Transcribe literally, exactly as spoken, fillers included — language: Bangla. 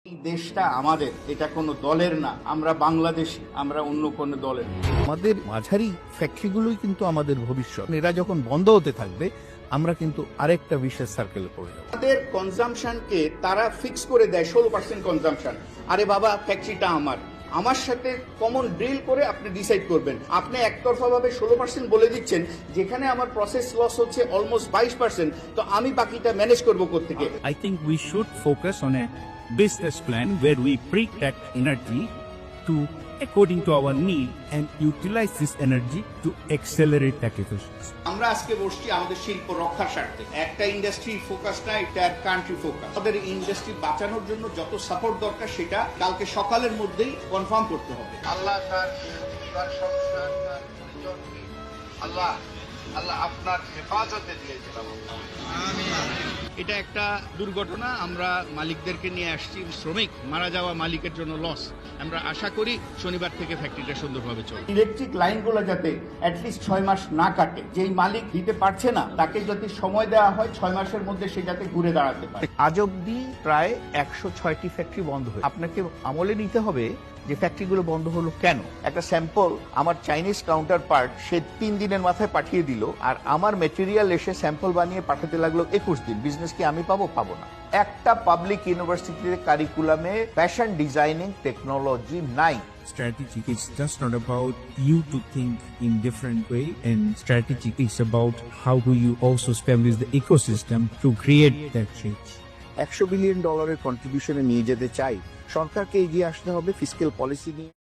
এই দেশটা আমাদের, এটা কোনো দলের না। আমরা বাংলাদেশি, আমরা অন্য কোনো দলের না। আমাদের মাঝারি ফ্যাক্টরিগুলোই কিন্তু আমাদের ভবিষ্যৎ। এরা যখন বন্ধ হতে থাকবে আমরা কিন্তু আরেকটা বিশেষ সার্কেলে পড়ে যাব। তাদের কনজামশনকে তারা ফিক্স করে দেয় ষোলো পার্সেন্ট কনজামশন। আরে বাবা, ফ্যাক্টরিটা আমার আমার সাথে কমন ড্রিল করে আপনি ডিসাইড করবেন। আপনি একতরফা ভাবে ষোলো পার্সেন্ট বলে দিচ্ছেন, যেখানে আমার প্রসেস লস হচ্ছে অলমোস্ট বাইশ পার্সেন্ট, তো আমি বাকিটা ম্যানেজ করবো কোত্থেকে? I think we should focus on a business plan where we protect energy to according to our need and utilize this energy to accelerate tech efficiency. আমরা আজকে বসছি আমাদের শিল্প রক্ষার স্বার্থে। একটা ইন্ডাস্ট্রি ফোকাস না, এটা কান্ট্রি ফোকাস। আমাদের ইন্ডাস্ট্রি বাঁচানোর জন্য যত সাপোর্ট দরকার সেটা কালকে সকালের মধ্যেই কনফার্ম করতে হবে। আল্লাহ তার তার সংসার তার পরিজনকে আল্লাহ আল্লাহ আপনার হেফাজতে দিয়েছিলাম। এটা একটা দুর্ঘটনা, আমরা মালিকদেরকে নিয়ে আসছি। শ্রমিক মারা যাওয়া মালিকের জন্য লস। আমরা আশা করি শনিবার থেকে ফ্যাক্টরিটা সুন্দরভাবে চলবে। ইলেকট্রিক লাইনগুলো যাতে অ্যাটলিস্ট ছয় মাস না কাটে, যেই মালিক দিতে পারছে না তাকে যদি সময় দেওয়া হয় ছয় মাসের মধ্যে সে যাতে ঘুরে দাঁড়াতে পারে। আজ অব্দি প্রায় একশো ছয়টি ফ্যাক্টরি বন্ধ হয়েছে। আপনাকে আমলে নিতে হবে যে ফ্যাক্টরিগুলো বন্ধ হলো কেন। একটা স্যাম্পল আমার চাইনিজ কাউন্টার পার্ট সে তিন দিনের মাথায় পাঠিয়ে দিল, আর আমার মেটেরিয়াল এসে স্যাম্পল বানিয়ে পাঠাতে লাগলো একুশ দিন। বিজনেস কি আমি পাবো? পাবো না। একটা পাবলিক ইউনিভার্সিটিতে কারিকুলামে ফ্যাশন ডিজাইনিং টেকনোলজি নাই। Strategy is just not about you to think in different way, and strategy is about how do you also establish the ecosystem to create that change. একশো বিলিয়ন ডলারের কন্ট্রিবিউশনে নিয়ে যেতে চাই, সরকারকে এগিয়ে আসতে হবে ফিসক্যাল পলিসি নিয়ে।